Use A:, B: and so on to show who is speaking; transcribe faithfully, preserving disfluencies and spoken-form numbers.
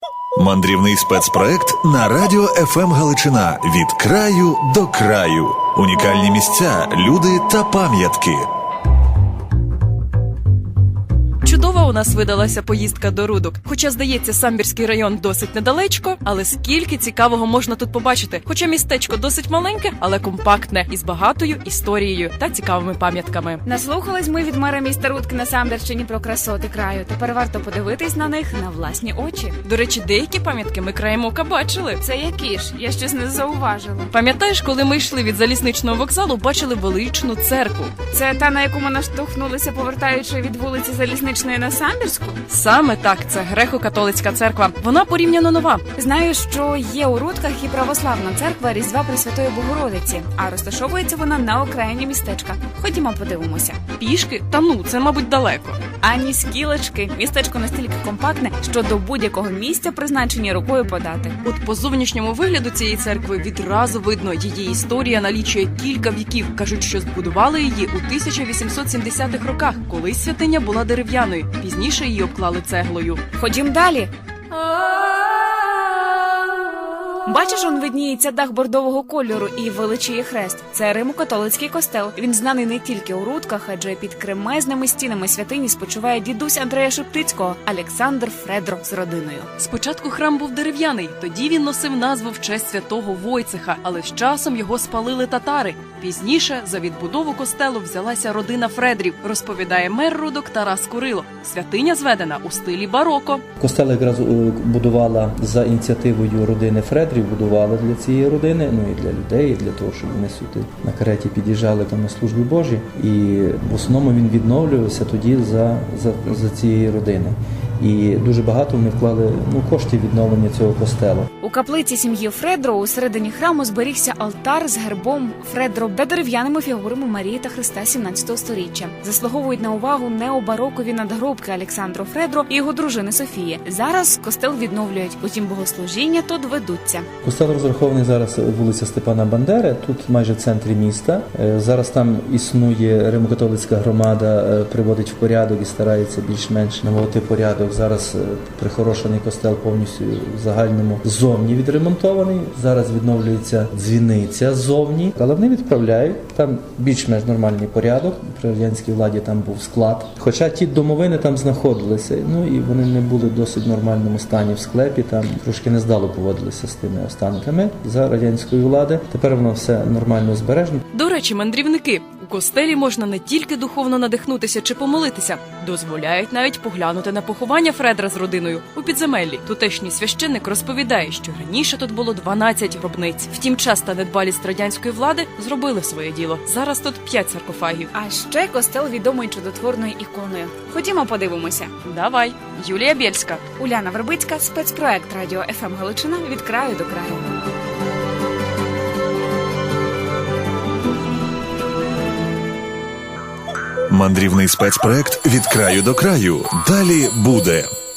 A: Мандрівний спецпроект на радіо еф ем Галичина. Від краю до краю. Унікальні місця, люди та пам'ятки.
B: Чудова у нас видалася поїздка до Рудок. Хоча, здається, Самбірський район досить недалечко, але скільки цікавого можна тут побачити. Хоча містечко досить маленьке, але компактне, із багатою історією та цікавими пам'ятками.
C: Наслухались ми від мера міста Рудки на Самбірщині про красоти краю. Тепер варто подивитись на них на власні очі.
B: До речі, деякі пам'ятки ми краєм ока бачили.
C: Це які ж? Я щось не зауважила.
B: Пам'ятаєш, коли ми йшли від залізничного вокзалу, бачили величну церкву?
C: Це та, на яку ми наштовхнулися, повертаючи від вулиці Залізничної на Самбірську?
B: Саме так, це греко-католицька церква. Вона порівняно нова.
C: Знаю, що є у Рудках і православна церква Різдва Пресвятої Богородиці, а розташовується вона на окраїні містечка. Ходімо подивимося.
B: Пішки? Та ну, це, мабуть, далеко.
C: Ані скілечки. Містечко настільки компактне, що до будь-якого місця призначені рукою подати.
B: От по зовнішньому вигляду цієї церкви відразу видно, її історія налічує кілька віків. Кажуть, що збудували її у тисяча вісімсот сімдесятих роках, коли святиня була дерев'яною. Пізніше її обклали цеглою.
C: Ходім далі. Бачиш, он видніється дах бордового кольору і величіє хрест. Це Римо-католицький костел. Він знаний не тільки у Рудках, адже під кремезними стінами святині спочиває дідусь Андрея Шептицького, Олександр Фредро з родиною.
B: Спочатку храм був дерев'яний, тоді він носив назву в честь святого Войцеха, але з часом його спалили татари. Пізніше за відбудову костелу взялася родина Фредрів, розповідає мер Рудок Тарас Курило. Святиня зведена у стилі бароко.
D: Костел якраз будувала за ініціативою родини Фредрів, будувала для цієї родини, ну і для людей, і для того, щоб вони сюди на кареті під'їжджали там на службі Божі. І в основному він відновлювався тоді за, за, за цієї родини. І дуже багато вони вклали ну, коштів відновлення цього костелу.
C: У каплиці сім'ї Фредро у середині храму зберігся алтар з гербом Фредро та дерев'яними фігурами Марії та Христа сімнадцятого сторіччя. Заслуговують на увагу необарокові надгробки Олександро Фредро і його дружини Софії. Зараз костел відновлюють, утім богослужіння тут ведуться.
D: Костел розрахований зараз вулиця Степана Бандери, тут майже в центрі міста. Зараз там існує Римо-католицька громада, приводить в порядок і старається більш-менш наводити порядок. Зараз прихорошений костел повністю в загальному ззовні відремонтований. Зараз відновлюється дзвіниця ззовні, але вони відправляють. Там більш-менш нормальний порядок. При радянській владі там був склад. Хоча ті домовини там знаходилися, ну і вони не були в досить нормальному стані в склепі, там трошки нездало поводилися з тими останками за радянської влади. Тепер воно все нормально збережено.
B: До речі, мандрівники, у костелі можна не тільки духовно надихнутися чи помолитися, дозволяють навіть поглянути на поховання Фредра з родиною у підземеллі. Тутешній священник розповідає, що раніше тут було дванадцять гробниць. Втім, час та недбалість радянської влади зробили своє діло. Зараз тут п'ять саркофагів.
C: А ще костел відомий чудотворною іконою. Ходімо подивимося.
B: Давай. Юлія Бєльська.
C: Уляна Вербицька, спецпроект радіо еф ем Галичина від краю до краю.
A: Мандрівний спецпроект від краю до краю. Далі буде.